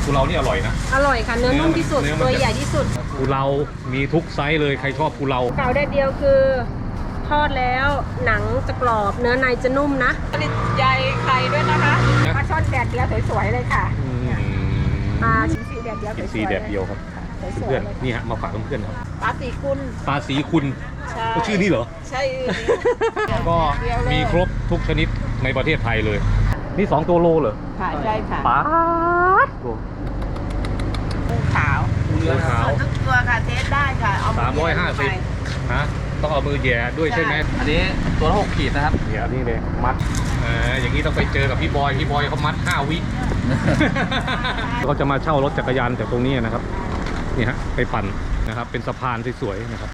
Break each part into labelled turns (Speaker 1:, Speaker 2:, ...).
Speaker 1: กุเลานี่อร่อยนะ
Speaker 2: อร่อยค่ะเนื้อนุ่มที่สุดตัวใหญ่ที่สุด
Speaker 1: กุเลามีทุกไซส์เลยใครชอบกุเลา
Speaker 2: เก่าแดดเดียวคือทอดแล้วหนังจะกรอบเนื้อในจะนุ่มนะผลิตใยไข่ด้วยนะคะปลาช่อนแดดเดียวสวยๆเลยค่ะปลาชิ้นสีแดดเดียวสวยๆ
Speaker 1: สีแดดเดียวครับเพื่อนนี่ฮะมาฝากเพื่อนๆครับ
Speaker 2: ปลาสีคุณ
Speaker 1: ปลาสีคุณก็ชื่อนี้เหรอ
Speaker 2: ใช่
Speaker 1: ก็มีครบทุกชนิดในประเทศไทยเลยนี่2ตัวโลเหรอ
Speaker 2: ค่ะใช่ค่ะ
Speaker 1: ปลา
Speaker 2: ปูขาวทุกตัวค่ะเทสได้ค่ะเอา
Speaker 1: 350ฮะต้องเอามือแย่ด้วยใช่ไหม
Speaker 3: อันนี้ตัวละ6 ขีดนะครับ
Speaker 1: เนี่ยนี่เลยมัดอย่างนี้ต้องไปเจอกับพี่บอยเขามัด5 วิเขาจะมาเช่ารถจักรยานจากตรงนี้นะครับนี่ฮะไปปั่นนะครับเป็นสะพานสวยๆนะครับ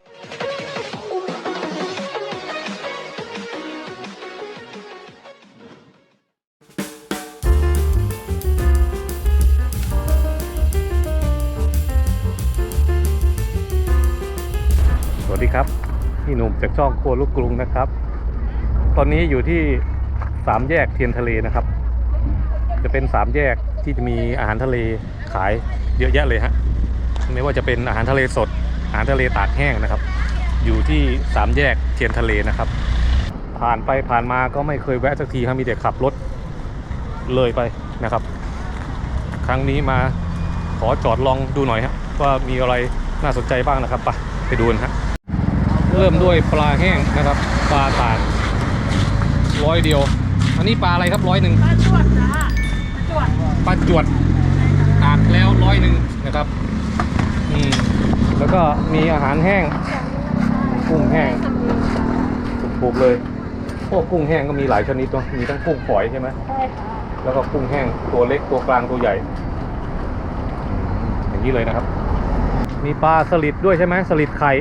Speaker 1: สวัสดีครับพี่หนุ่มจากช่องครัวลูกกรุงนะครับตอนนี้อยู่ที่3 แยกเทียนทะเลนะครับจะเป็น3 แยกที่จะมีอาหารทะเลขายเยอะแยะเลยฮะไม่ว่าจะเป็นอาหารทะเลสดอาหารทะเลตากแห้งนะครับอยู่ที่3 แยกเทียนทะเลนะครับผ่านไปผ่านมาก็ไม่เคยแวะสักทีครับมีแต่ขับรถเลยไปนะครับครั้งนี้มาขอจอดลองดูหน่อยฮะว่ามีอะไรน่าสนใจบ้างนะครับไปดูนะฮะเริ่มด้วยปลาแห้งนะครับปลาตาก100 เดียวอันนี้ปลาอะไรครับ100ปลาจวดจ้าปลาจวดตากแล้ว100นะครับแล้วก็มีอาหารแห้งกุ้งแห้งถูกเลยพวกกุ้งแห้งก็มีหลายชนิดตัวมีทั้งกุ้งฝอยใช่ไหมใช่ค่ะแล้วก็กุ้งแห้งตัวเล็กตัวกลางตัวใหญ่อย่างนี้เลยนะครับมีปลาสลิดด้วยใช่ไหมสลิดไข่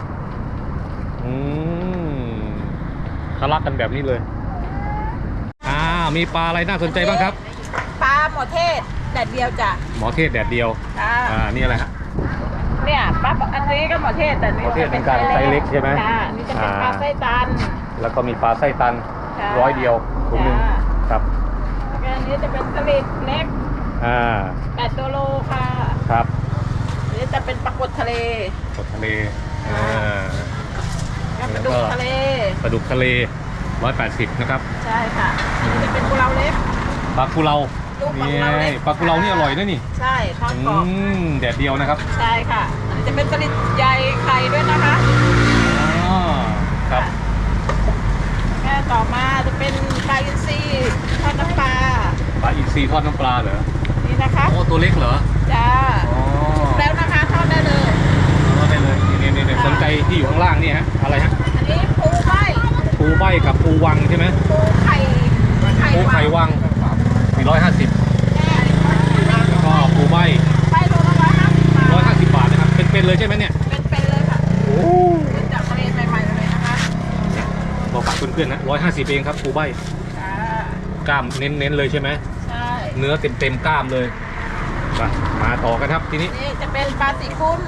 Speaker 1: ทะลักกันแบบนี้เลยมีปลาอะไรน่าสนใจบ้างครับ
Speaker 2: ปลาหมอเทศแดดเดียวจ้ะ
Speaker 1: หมอเทศแดดเดียวนี่อะไรฮะ
Speaker 2: เนี่ยปลาอันนี้ก็หมอเทศแต่
Speaker 1: หมอเทศเป็นการไซส์เล็กใช่ไหม
Speaker 2: นี่จะเป็นปลาไส้ตัน
Speaker 1: แล้วก็มีปลาไส้ตัน100 เดียวถุงนึงครับ
Speaker 2: อันนี้จะเป็นสลิดเล็ก8 ตัวโลค่ะ
Speaker 1: ครับ
Speaker 2: นี่จะเป็นปลากดทะเล
Speaker 1: ปลาดุกทะเล
Speaker 2: ปลาดุกทะเล
Speaker 1: 180นะครับ
Speaker 2: ใช่ค่ะนี่จะเป็นกุเลาเล็ก
Speaker 1: ปลากุเลาปลากุเลานี่อร่อยนะนี่
Speaker 2: ใช่ทอดกรอบ
Speaker 1: แดดเดียวนะครับ
Speaker 2: ใช่ค่ะอันนี้จะเป็นสลิดใยไข่ด้วยนะคะ
Speaker 1: ครับ
Speaker 2: แค่ต่อมาจะเป็นปลาอินทรีทอดน้ำปลา
Speaker 1: อินทรีทอดน้ำปลาเหรอ
Speaker 2: นี่นะคะ
Speaker 1: โอ้ตัวเล็กเหรอ
Speaker 2: จ้าแล้วนะคะทอดได้เลย
Speaker 1: นี่สนใจที่อยู่ข้างล่างนี่ฮะอะไรฮะ
Speaker 2: อันนี้ปูใบ
Speaker 1: กับปูวังใช่ไหม
Speaker 2: ปูไข่
Speaker 1: วัง450แล้วก็ปูใบ
Speaker 2: โลละ
Speaker 1: 150 บาทนะครับเป็นเลยใช่ไหมเนี่ย
Speaker 2: เป็นเลยค่ะโอ้จากทะเลใหม่ๆเลยนะคะ
Speaker 1: บอกฝากเพื่อนๆนะ150เองครับปูใบกล้ามเน้นเลยใช่ไหม
Speaker 2: ใช่
Speaker 1: เนื้อเต็มกล้ามเลยมาต่อกันครับทีนี้
Speaker 2: นี่จะเป็นปลาสีคุณ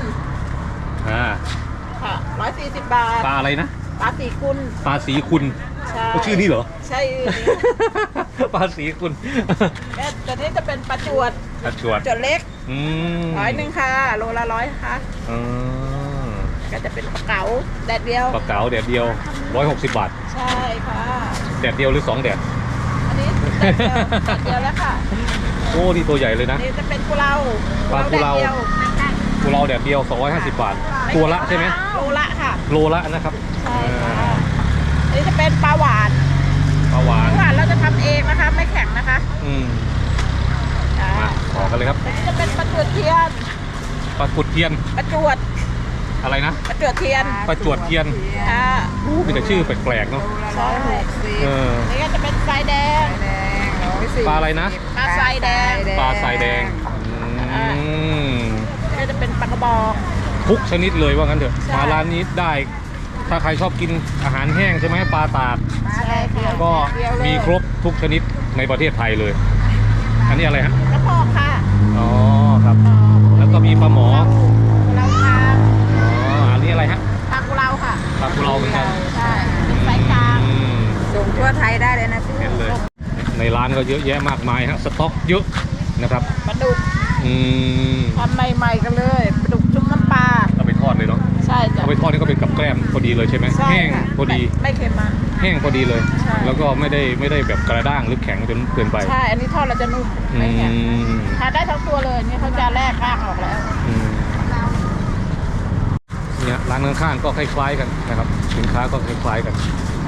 Speaker 2: ค่ะ140 บาท
Speaker 1: ปลาอะไรนะ
Speaker 2: ปลาสีคุณ
Speaker 1: ก็ชื่อนี้เหรอ
Speaker 2: ใช่
Speaker 1: ปลาสีคุณ
Speaker 2: แต่นี่จะเป็นปลาจวดเล็ก100ค่ะโลละ100ค่ะก็จะเป็นปลาเก๋าแดดเดียว
Speaker 1: 160 บาท
Speaker 2: ใช่ค่ะ
Speaker 1: แดดเดียวหรือ2 แดด
Speaker 2: อันนี้แดดเดียวแล้วค่ะ
Speaker 1: โอ้นี่ตัวใหญ่เลยนะ
Speaker 2: นี่จะเป็นกุเลา
Speaker 1: แดดเดียว250 บาทตัวละใช่ไหม
Speaker 2: โลละค่ะ
Speaker 1: โลละนะครับ
Speaker 2: ใช่ค่ะอันนี้จะเป็นปลาหวานเราจะทำเองนะคะไม่แข็งนะคะ
Speaker 1: มาต่อกันเลยครับ
Speaker 2: อันนี้จะเป็นปลาจวดเทียน
Speaker 1: ปลาจวดอะไรนะ
Speaker 2: ปลาจวดเทียน
Speaker 1: มีแต่ชื่อแปลกๆเนาะ
Speaker 2: ใช่นี่ก็จะเป็นทรายแดง
Speaker 1: ปลาอะไรนะ
Speaker 2: ปลาทรายแดงนี่จะเป็นปลากระบอก
Speaker 1: ทุกชนิดเลยว่างั้นเถอะมาร้านนี้ได้ถ้าใครชอบกินอาหารแห้งใช่ไหมปลาตากก็มีครบทุกชนิดในประเทศไทยเลยอันนี้อะไรฮะ
Speaker 2: กระเพาะค่ะ
Speaker 1: ครับแล้วก็มีปลาหมอ
Speaker 2: เราค่ะ
Speaker 1: อันนี้อะไรฮะ
Speaker 2: ปลากุเลาค่ะ
Speaker 1: ปลากุเลาเหมือนกัน
Speaker 2: ใช่ไซส์กลางส่งทั่วไทยได้เลยนะพี่
Speaker 1: ในร้านก็เยอะแยะมากมายฮะสต็อกเยอะนะครับ
Speaker 2: ปลาดุก
Speaker 1: อืม
Speaker 4: ทำใหม่ๆกันเลยปลาดุกชุบน้ำปลา
Speaker 1: เอาไปทอดเลยเนาะ
Speaker 4: ใช่จ้ะ
Speaker 1: เอาไปทอดนี่ก็เป็นกับแกล้มพอดีเลยใช่ไหม
Speaker 4: ใช่
Speaker 1: แห้ง
Speaker 4: ค่ะ
Speaker 1: พอดี
Speaker 4: ไม่เค็มมาก
Speaker 1: แห้งพอดีเลย
Speaker 4: ใช่
Speaker 1: แล้วก็ไม่ได้แบบกระด้างหรือแข็งจนเกินไป
Speaker 4: ใช่ อันนี้ทอดเราจะนุ่ม
Speaker 1: อื
Speaker 4: ไม่แข็ง
Speaker 1: ม
Speaker 4: ทานได้ทั้งตัวเลยนี่เขาจะแลกก้างออกแล้ว
Speaker 1: อืมเนี่ยร้านข้างๆก็คล้ายๆกันนะครับ สินค้าก็คล้ายๆกัน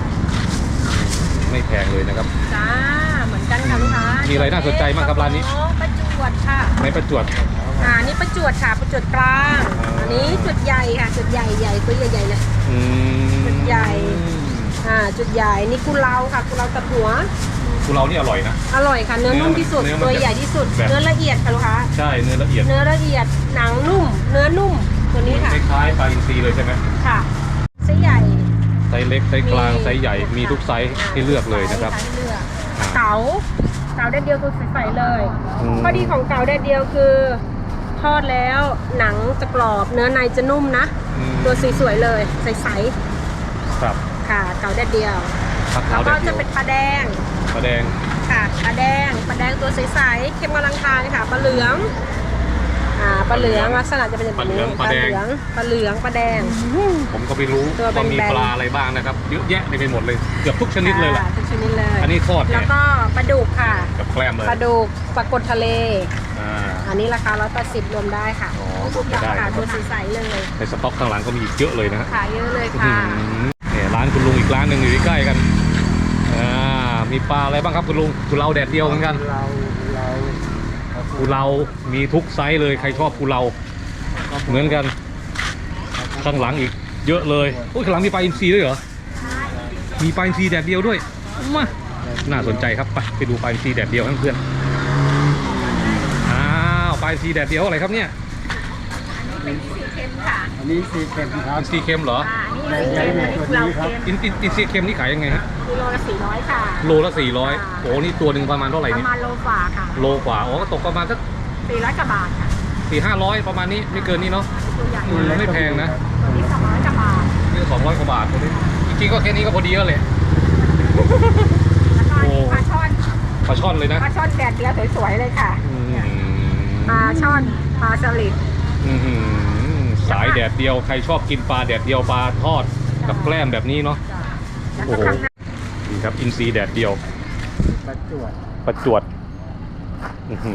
Speaker 1: ไม่แพงเลยนะครับ
Speaker 2: จ้าเหมือนกันค่ะลูกค้า
Speaker 1: มีอะไรน่าสนใจบ้างครับร้านนี้
Speaker 2: ประจวดค่ะ
Speaker 1: ในประจวบ
Speaker 2: นี่ประจวดค่ะประจวดกลาง อันนี้จุดใหญ่ค่ะจุดใหญ่ตัวใหญ่ๆเลย
Speaker 1: อืม
Speaker 2: จุดใหญ่ จุดใหญ่นี่กุเลาค่ะกุเลาตัดหัว
Speaker 1: กุเรานี่อร่อยนะ
Speaker 2: อร่อยค่ะเนื้อนุ่มที่สุด
Speaker 1: เนื้อมัน
Speaker 2: ตัวใหญ่ที่สุด
Speaker 1: แบบ
Speaker 2: เนื้อละเอียดค่ะลูกค้า
Speaker 1: ใช่เนื้อละเอียด
Speaker 2: เนื้อละเอียดหนังนุ่ม เนื้อนุ่มตัวนี้ค่ะ
Speaker 1: คล้ายๆปลาอินทรีเลยใช่ไหม
Speaker 2: ค่ะไส้ใหญ่
Speaker 1: ไซส์เล็กไซส์กลางไซส์ใหญ่มีทุกไซส์ให้เลือกเลยนะครับ
Speaker 2: ให้เลือกเก๋าแดดเดียวคือใสๆเลย
Speaker 1: อืม
Speaker 2: ข้อดีของเก๋าแดดเดียวคือทอดแล้วหนังจะกรอบเนื้อในจะนุ่มนะ
Speaker 1: อืม
Speaker 2: ตัวสวยๆเลยใส
Speaker 1: ครับ
Speaker 2: ๆค่ะเก๋าแดดเดียว
Speaker 1: ผัก
Speaker 2: แล้
Speaker 1: ขาว วแด
Speaker 2: ก็
Speaker 1: ดเดี
Speaker 2: จะ
Speaker 1: ยว
Speaker 2: เป็นปลาแดง
Speaker 1: ปลาแดง
Speaker 2: ค่ะปลาแดงตัวใสๆเค็มกำลังทานค่ะปลาเหลืองปลาเหลืองลักษณะจะเป็นแบบนี้
Speaker 1: ปลาเหลือง
Speaker 2: ปลาแดง
Speaker 1: ผมก็ไม่รู้
Speaker 2: ตัวเป็น
Speaker 1: ว่ามี
Speaker 2: แบน
Speaker 1: ปลาอะไรบ้างนะครับเยอะแยะไปหมดเลยเกือบทุกชนิดเลยแหละ
Speaker 2: ทุกชนิดเลย
Speaker 1: อันนี้ทอด
Speaker 2: แล้
Speaker 1: เนี่
Speaker 2: วย ก็ปลาดุกค่ะ
Speaker 1: กับแกล้มเลย
Speaker 2: ปลาดุกปลากดทะเล
Speaker 1: อ่า
Speaker 2: อันนี้ราคา180รวมได้ค่ะ
Speaker 1: อ๋อรวมไม่ได้
Speaker 2: ค่ะ
Speaker 1: นะค
Speaker 2: ตัว
Speaker 1: รับ
Speaker 2: ใสๆเลย
Speaker 1: ในสต็อกข้างหลังก็มีอีกเยอะเลยนะฮะ
Speaker 2: ขายเยอะเลย
Speaker 1: อื้อ
Speaker 2: ค่ะ
Speaker 1: หือเนี่ยร้านคุณลุงอีกร้านหนึ่งอยู่ใกล้ๆกันมีปลาอะไรบ้างครับคุณลุงกุเลาแดดเดียวเหมือนกันกุเลามีทุกไซส์เลยใครชอบกุเลาเหมือนกันข้างหลังอีกเยอะเลยโอ้ยข้างหลังมีปลาอินทรีด้วยเหรอมีปลาอินทรีแดดเดียวด้วยมาน่าสนใจครับไปดูปลาอินทรีแดดเดียวให้เพื่อนอ้าวปลาอินทรีแดดเดียวอะไรครับเนี่ย
Speaker 2: เป็นสีเค็มค่ะ
Speaker 5: อันนี้สีเข็มครับ
Speaker 1: อินทรีเค็มเหรอ
Speaker 2: อันนี้สีเค็มอันนี้เราเค็ม
Speaker 1: อินทรีเค็มนี่ขายยังไงฮะ
Speaker 2: กิโลละ400ค่ะ
Speaker 1: โลละ400โอ้นี่ตัวหนึ่งประมาณเท่าไหร่
Speaker 2: ป
Speaker 1: นี่
Speaker 2: ระมาณโลฝ่าค่ะ
Speaker 1: โลกว่าอ๋อก็ตกประมาณสัก
Speaker 2: 400กว่าบาทค่ะ
Speaker 1: 400-500ประมาณนี้ไม่เกินนี้เนาะ
Speaker 2: ตัวใหญ่
Speaker 1: ไม่แพงนะ
Speaker 2: ตัวนี้200กว่าบาท
Speaker 1: นี่200กว่าบาทตัวนี้จริงๆก็แค่นี้ก็พอดีแล้วแหละ
Speaker 2: แล้วก็อันนี้ปลาช่อน
Speaker 1: ปลาช่อนเลยนะ
Speaker 2: ปลาช่อนแดดเดียวสวยๆเลยค่ะ
Speaker 1: อืม
Speaker 2: ปลาช่อนปลาสลิด
Speaker 1: อื้อหือสายแดดเดียวใครชอบกินปลาแดดเดียวปลาทอดกับแกล้มแบบนี้เนาะ
Speaker 2: แล้ว
Speaker 1: โอ้
Speaker 2: ก็
Speaker 1: โห
Speaker 2: ข้างหน้า
Speaker 1: นี่ครับอินทรีแดดเดียว
Speaker 5: ประจวด
Speaker 1: ประจวดอื้อหือ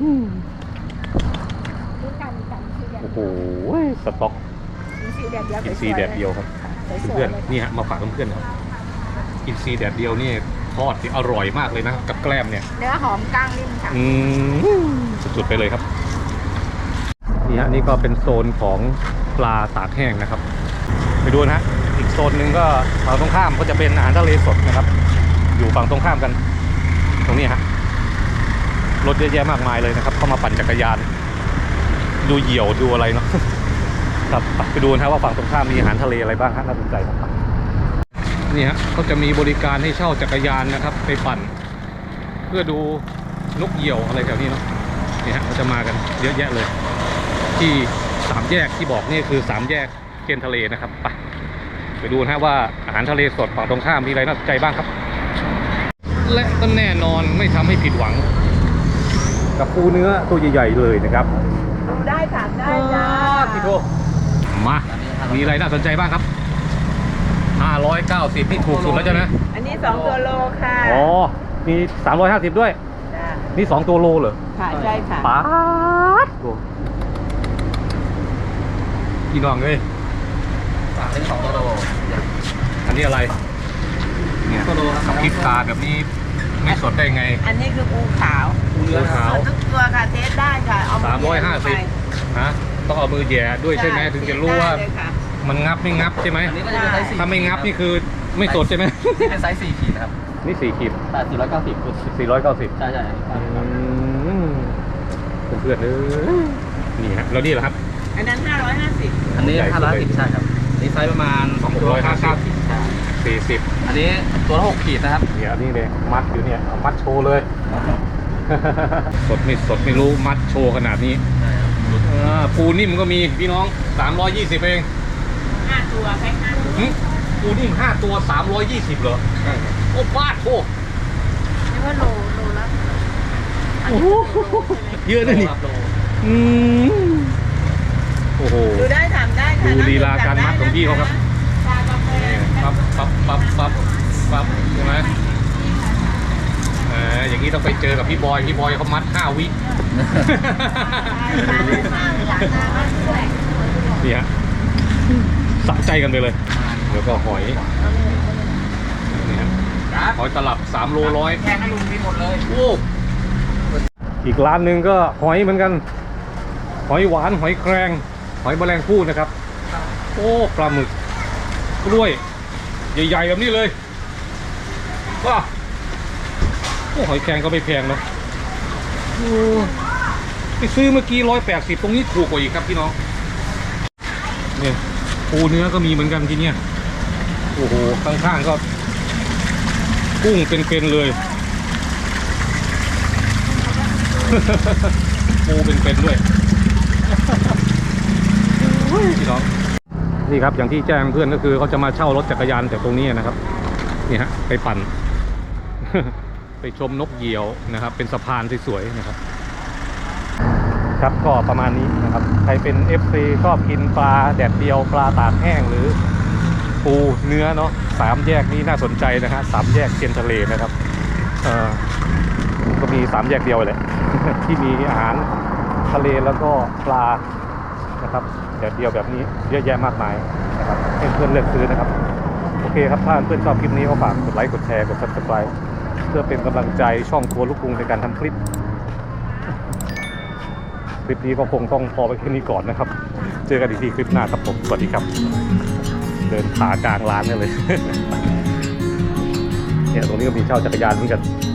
Speaker 2: นี่กันสีแดด
Speaker 1: โอ้โหสต็อก
Speaker 2: สีแดดเดียว
Speaker 1: อิน
Speaker 2: ส
Speaker 1: ซี
Speaker 2: วยๆ
Speaker 1: แดดเดียวครับ
Speaker 2: สวยๆ
Speaker 1: เพื่อน
Speaker 2: เลย
Speaker 1: ๆนี่ฮะมาฝากเพื่อนๆครับอินซีแดดเดียวนี่ทอดที่อร่อยมากเลยนะกับแกล้มเนี่ย
Speaker 2: เนื้อหอมก้างนิ่มค่ะ
Speaker 1: สุดๆไปเลยครับนี่ฮะนี่ก็เป็นโซนของปลาตากแห้งนะครับ ไปดูนะฮะอีกโซนหนึ่งก็ฝั่งตรงข้ามก็จะเป็นอาหารทะเลสดนะครับ อยู่ฝั่งตรงข้ามกัน ตรงนี้ฮะรถเยอะแยะมากมายเลยนะครับเข้ามาปั่นจักรยาน ดูเหยี่ยวดูอะไรเนาะ ครับไปดูนะว่าฝั่งตรงข้ามมีอาหารทะเลอะไรบ้างฮะน่าสนใจครับนี่ฮะเขาจะมีบริการให้เช่าจักรยานนะครับ ไปปั่น เพื่อดูนกเหยี่ยวอะไรแถวนี้เนาะนี่ฮะเขาจะมากันเยอะแยะเลย ที่3แยกที่บอกนี่คือ3แยกเทียนทะเลนะครับไปดูนะฮะว่าอาหารทะเลสดฝั่งตรงข้ามมีอะไรน่าสนใจบ้างครับ และก็แน่นอนไม่ทำให้ผิดหวัง กับปูเนื้อตัวใหญ่ๆเลยนะครับ
Speaker 4: ดูได้ถามได้จ้า
Speaker 1: พี่โทมามีอะไรน่าสนใจบ้างครับ590นี่ถูกสุดแล้วใช่ไหม
Speaker 4: อันนี้2ตัวโลค่ะ
Speaker 1: อ๋อมี350ด้วย
Speaker 4: จ้า
Speaker 1: นี่2ตัวโลเหรอ
Speaker 4: ค่ะใช่ค่ะ
Speaker 1: ป๊าดตัวพี่น้องเอ้ย
Speaker 3: ฝากเป็น2กิโล
Speaker 1: อันนี้อะไรเนี่ย
Speaker 3: กิโลครับ
Speaker 1: กับพริกตาแบบนี้ไม่สดได้ไง
Speaker 4: อันนี้คือปูขาว
Speaker 1: ปูเนื้อขาว
Speaker 4: สดทุกตัวค่ะเทสได้ค่ะเอามือแย่ลงไป
Speaker 1: 350ฮะต้องเอามือแหย่ด้วยใช่ไหมถึงจะรู้ว่า
Speaker 4: ได้เลยค่ะ
Speaker 1: มันงับไม่งับใช่ไหม
Speaker 3: อันนี้ก็จะเป็นไซส์4
Speaker 1: ถ้าไม่งับนี่คือไม่สดใช่ไหม
Speaker 3: นี่เป็นไซส์4ขีดนะครับ
Speaker 1: นี่4ขีด
Speaker 3: แต่490
Speaker 1: 490
Speaker 3: ใช่ใช่
Speaker 1: เพื่อนๆนี่ฮะแล้วนี่แหละครับ
Speaker 4: อันนั้น550
Speaker 3: อันนี้
Speaker 1: ใหญ่สุดเลย
Speaker 3: 550ใช่ครับอันนี้ไซส์ประมาณ2ตัว
Speaker 1: 650
Speaker 3: ใช่
Speaker 1: 40
Speaker 3: อันนี้ตัวละ6ขีดนะครับ
Speaker 1: เนี่ยนี่เลยมัดอยู่เนี่ยเอามัดโชว์เลย สดไม่รู้มัดโชว์ขนาดนี้ปูนิ่มก็มีพี่น้อง320เอง
Speaker 4: 5ตัวแพ็ค5ตัว
Speaker 1: หึปูนิ่ม5ตัว320เหรอโอ้บ้าโอ้
Speaker 4: นี่ว่าโลละ
Speaker 1: เยอะเลยนี่
Speaker 3: โล
Speaker 1: อืมโอ้โห
Speaker 4: ดูได้ถามได้ค่ะ
Speaker 1: ดูลีลาการมัดของพี่เขาครับ
Speaker 4: ชากาแฟ
Speaker 1: ปั๊บปั๊บปั๊บปั๊บปั๊บใช่ไหมอย่างนี้ต้องไปเจอกับพี่บอยเขามัด5 วิ นี่ฮะสะใจกันไปเลยแล้วก็หอยนี่ฮะหอยตลับ3 โล 100
Speaker 3: แค่ให้ลุงมีหมดเลย
Speaker 1: โอ้อีกร้านหนึ่งก็หอยเหมือนกันหอยหวานหอยแครงหอยแมลงภู่นะครับโอ้ปลาหมึกกล้วยใหญ่ๆแบบนี้เลยว้าโอ้หอยแครงก็ไม่แพงเนาะโอ้ไปซื้อเมื่อกี้180ตรงนี้ถูกกว่าอีกครับพี่น้องเนี่ยปูเนื้อก็มีเหมือนกันที่เนี่ยโอ้โหข้างๆก็กุ้งเป็นๆเลย ปูเป็นๆด้วยพี่น้องนี่ครับอย่างที่แจ้งเพื่อนก็คือเขาจะมาเช่ารถจักรยานจากตรงนี้นะครับนี่ฮะไปปั่น ไปชมนกเหยี่ยวนะครับเป็นสะพานสวยๆนะครับครับก็ประมาณนี้นะครับใครเป็น FC ชอบกินปลาแดดเดียวปลาตากแห้งหรือปูเนื้อเนาะ3 แยกนี้น่าสนใจนะฮะ3 แยกเทียนทะเลนะครับก็มี3 แยกเดียวเลย ที่มีอาหารทะเลแล้วก็ปลานะครับแดดเดียวแบบนี้เยอะแยะมากมายนะครับให้เพื่อนเลือกซื้อนะครับโอเคครับถ้าเพื่อนชอบคลิปนี้ก็ฝากกดไลค์กดแชร์กด Subscribe เพื่อเป็นกำลังใจช่องครัวลูกกรุงในการทำคลิปนี้ก็คงต้องพอไปแค่นี้ก่อนนะครับเจอกันอีกทีคลิปหน้าครับผมสวัสดีครับเดินขากลางร้านเนี่ยเลย เนี่ยตรงนี้ก็มีเช่าจักรยานเหมือนกัน